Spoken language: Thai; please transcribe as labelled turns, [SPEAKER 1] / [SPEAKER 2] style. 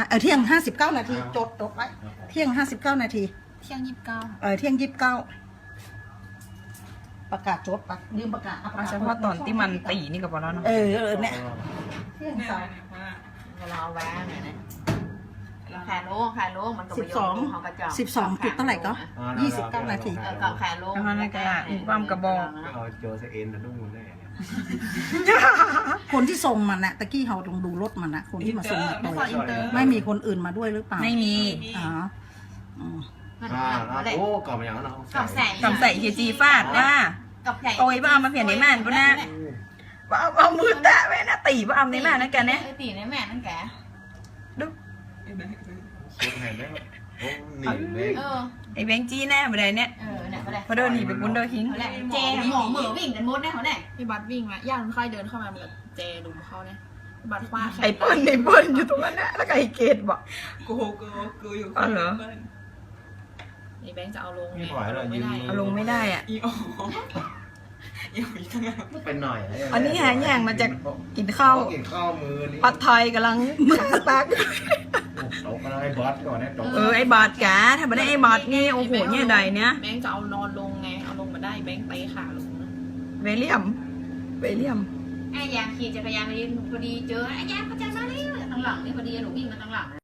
[SPEAKER 1] เที่ยง59 นาทีจดไว้เที่ยง59 นาที
[SPEAKER 2] เที่ยง29
[SPEAKER 1] เที่ยง29ประกาศจดปะลืมประกาศ
[SPEAKER 3] เฉพาะตอนที่มันตีนี่ก็พอแล้วเนาะ
[SPEAKER 1] เนี่ยเที่ยงสาม
[SPEAKER 2] เราแวะหน่อยนะแขนโล่มันก็
[SPEAKER 1] 12 จุดเท่าไหร่ก็29 นาที
[SPEAKER 2] กับแขนโล่
[SPEAKER 3] แล้วนั่นก็ความกระบอก
[SPEAKER 4] เอาโจเซเอ็นนะนุ่งแน่
[SPEAKER 1] คนที่ส่งมันนะตะกี้เขาต้องดูรถมันนะคนที่มาส่งไม่มีคนอื่นมาด้วยหรือเปล่า
[SPEAKER 3] ไม่มี
[SPEAKER 4] โอ้ก่อนมาอย่างนั้น
[SPEAKER 3] กับใส่เฮจีฟาดว่าโอ้ยว่าเอามาเปลี่ยนในม่านปะนะว่าเอามือแตะไว้นะตีว่าเอาในม่านนั่นกันเนี่ย
[SPEAKER 2] ตีในแม่นั่นแก
[SPEAKER 3] ดู
[SPEAKER 4] สุดแห่งได้โอ้หนีเลย
[SPEAKER 3] ไอ้แบงค์จี้แน่มาได้เนี่ยพอเดินหนีไปปุ้นเดินทิ้ง
[SPEAKER 2] เจหมองเหมือวิ่งกันมดแน่เขาแน่
[SPEAKER 5] พี่บัตวิ่งมาย่างค่อยเดินเข้ามาเหมือนเจดุมเขาเนี่ยบัตฟาด
[SPEAKER 3] ไอ้เปิ้ลอยู่ตรงนั้นนะแล้วก็ไอ้เกดบอก
[SPEAKER 5] กูอยู่
[SPEAKER 3] อ๋อเหรอ
[SPEAKER 5] ไอ้แบงค์จะเอาลงไง
[SPEAKER 3] เอาลงไม่ได้อ่ะ
[SPEAKER 5] อีอ๋อยังมีทั้งนั้น
[SPEAKER 4] เป็นหน่อย
[SPEAKER 3] อันนี้หาย่างมาจากกินข้าว
[SPEAKER 4] มือ
[SPEAKER 3] ปัดไทยกำลังตัก
[SPEAKER 4] ตกอะไรบอสก่อนนะตก
[SPEAKER 3] ไอ้บอดกะถ้าไม่ได้ไอ้บอดนี่โอ้โหเนี่ยใดเนี่ย
[SPEAKER 5] แบงค์จะเอานอนลงไงเอาลงมาได้แบงค์เตะขาลง
[SPEAKER 3] เวเลียม
[SPEAKER 2] ไอ้ยางขี่จักรยานมาดิพอดีเจอไอ้ยางเขาจะมาเลยทางหลังนี่พอดีหนูวิ่งมาทางหลัง